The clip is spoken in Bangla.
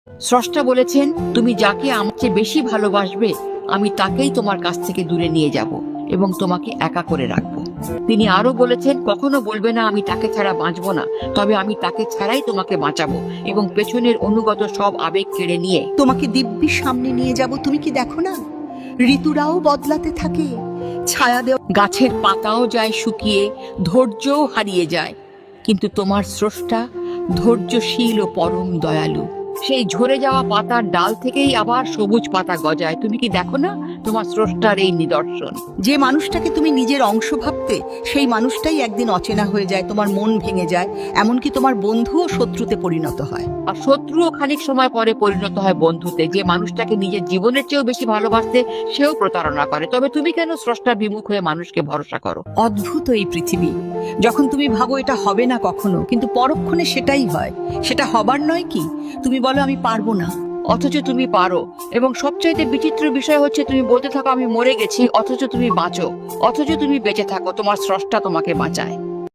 স্রষ্টা বলেছেন, তুমি যাকে আমার চেয়ে বেশি ভালোবাসবে আমি তাকেই তোমার কাছ থেকে দূরে নিয়ে যাব এবং তোমাকে একা করে রাখবো। তিনি আরো বলেছেন, কখনো বলবে না আমি তাকে ছাড়া বাঁচবো না, তবে আমি তাকে ছাড়াই তোমাকে বাঁচাবো এবং পেছনের অনুগত সব আবেগ কেড়ে নিয়ে তোমাকে দিব্যি সামনে নিয়ে যাব। তুমি কি দেখো না, ঋতুরাও বদলাতে থাকে, ছায়া দেওয়া গাছের পাতাও যায় শুকিয়ে, ধৈর্যও হারিয়ে যায়, কিন্তু তোমার স্রষ্টা ধৈর্যশীল ও পরম দয়ালু। সেই ঝরে যাওয়া পাতার ডাল থেকেই আবার সবুজ পাতা গজায়। তুমি কি দেখো না তোমার স্রষ্টার এই নিদর্শন? যে মানুষটাকে তুমি নিজের অংশ ভাবতে, সেই মানুষটাই একদিন অচেনা হয়ে যায়, তোমার মন ভেঙে যায়, এমনকি তোমার বন্ধুও শত্রুতে পরিণত হয়। আর শত্রুও খানিক সময় পরে পরিণত হয় বন্ধুতে। যে মানুষটাকে নিজের জীবনের চেয়েও বেশি ভালোবাসতে, সেও প্রতারণা করে। তবে তুমি কেন স্রষ্টা বিমুখ হয়ে মানুষকে ভরসা করো? অদ্ভুত এই পৃথিবী। যখন তুমি ভাবো এটা হবে না কখনো, কিন্তু পরক্ষণে সেটাই হয়। সেটা হবার নয় কি? তুমি বলো আমি পারবো না, অথচ তুমি পারো। এবং সবচাইতে বিচিত্র বিষয় হচ্ছে, তুমি বলতে থাকো আমি মরে গেছি, অথচ তুমি বাঁচো। অথচ তুমি বেঁচে থাকো, তোমার স্রষ্টা তোমাকে বাঁচায়।